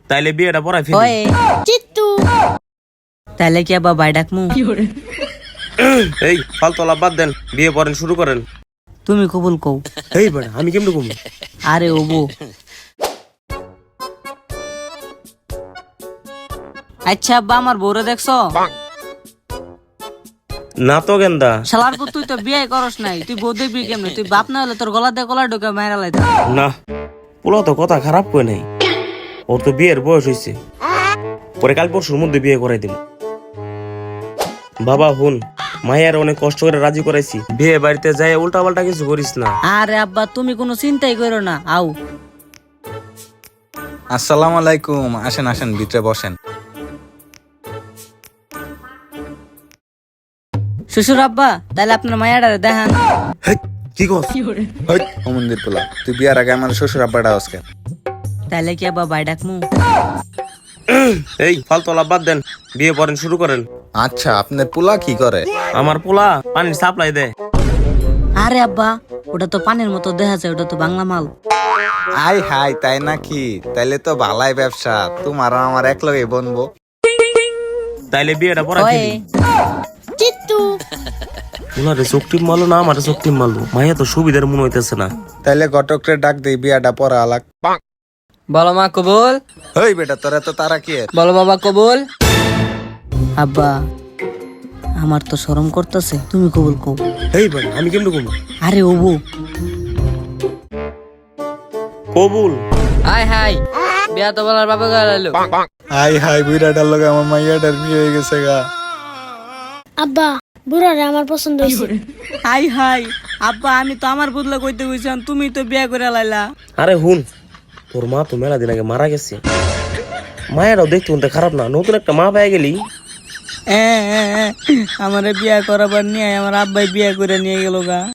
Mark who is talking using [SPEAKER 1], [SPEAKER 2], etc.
[SPEAKER 1] তাইলে বিয়েটা পড়াই ফেলি।
[SPEAKER 2] ওয়ে চিত্তু তাহলে কি আবার বাই ডাকমু?
[SPEAKER 1] এই ফালতু আলাপ বাদ দেন, বিয়ে পড়েন, শুরু করেন।
[SPEAKER 2] তুমি কবুল কও।
[SPEAKER 1] এই বেটা আমি কেমনে কমু?
[SPEAKER 2] আরে ওবো আচ্ছা আব্বা আমার বউরে দেখছো?
[SPEAKER 1] না তো গেন্দা।
[SPEAKER 2] শালার পর তুই তো বিয়ে করস নাই, তুই বউ দেখবি কেমনে? তুই বাপ না হলে তোর গলা দিয়ে গলা ঢোকে মাইরা লাইতা।
[SPEAKER 1] না পোলা তো কথা খারাপ কই নাই, ওর তো বিয়ের বয়স হয়েছে, পরে কাল পরশুর মধ্যে বিয়ে করাই দিব। বাবা হুন, মায়ের অনেক কষ্ট করে রাজি করাইছি, বিয়ে বাড়িতে যাই উল্টা পাল্টা কিছু করিস না।
[SPEAKER 2] আরে আব্বা তুমি কোনো চিন্তাই করো না, আও।
[SPEAKER 3] আসসালামু আলাইকুম। আসেন আসেন, ভিতরে বসেন।
[SPEAKER 2] শ্বশুর আব্বা তাহলে আপনার মায়াডারে দেখান।
[SPEAKER 1] হেই, কি কস?
[SPEAKER 3] ও মন্দির পোলা, তুই বিয়ার আগে আমার শ্বশুর আব্বাটা আজকে।
[SPEAKER 2] তাহলে কি আব্বা বাই ডাকমু?
[SPEAKER 1] এই ফালতু আলাপ বাদ দেন, বিয়ে পড়েন, শুরু করেন।
[SPEAKER 3] আচ্ছা, আপনার পোলা কি করে?
[SPEAKER 1] আমার পোলা পানির সাপ্লাই দেয়।
[SPEAKER 2] আরে আব্বা ওটা তো পানির মতো দেখা যায়, ওটা তো বাংলা মাল।
[SPEAKER 3] আই হাই, তাই নাকি? তাইলে তো ভালাই ব্যবসা, তোমার আর আমার এক লগে বনবো।
[SPEAKER 1] তাইলে বিয়েটা পড়াই
[SPEAKER 2] ওয়ে
[SPEAKER 1] ফেলি।
[SPEAKER 2] চিত্তু
[SPEAKER 1] ওনারে চোখটি মারলো না আমার চোখটি মারলো, মাইয়া তো সুবিধার মনে হইতেছে না।
[SPEAKER 3] তাইলে ঘটকরে ডাক দেই, বিয়াটা পড়া আলাক।
[SPEAKER 4] বলো মা কবুল,
[SPEAKER 3] ওই বেটা, তোরা তো তারা কি এর?
[SPEAKER 4] বলো বাবা কবুল।
[SPEAKER 2] আব্বা আমার তো শরম করতেছে, তুমি কবুল কও।
[SPEAKER 1] এই ভাই আমি কেমনে কমু?
[SPEAKER 2] আরে ওবো
[SPEAKER 1] কবুল।
[SPEAKER 4] হাই হাই, বিয়া তো বলার বাবা গেল।
[SPEAKER 3] আই হাই, বুড়াটার লগে আমার মাইয়াটার বিয়ে হয়ে গেছে গা।
[SPEAKER 5] আব্বা বুড়ারে আমার পছন্দ হয়েছে।
[SPEAKER 2] হাই হাই আব্বা আমি তো আমার বদলা কইতে কইছিলাম, তুমি তো বিয়া করে লাইলা।
[SPEAKER 1] আরে হুন, তোর মা তো মেলা দিন আগে মারা গেছে, মায়েরাও দেখতে শুনতে খারাপ না, নতুন একটা মা পেয়ে গেলি।
[SPEAKER 2] আমারে বিয়া করাবার নিয়ে আমার আব্বাই বিয়া করে নিয়ে গেল গা।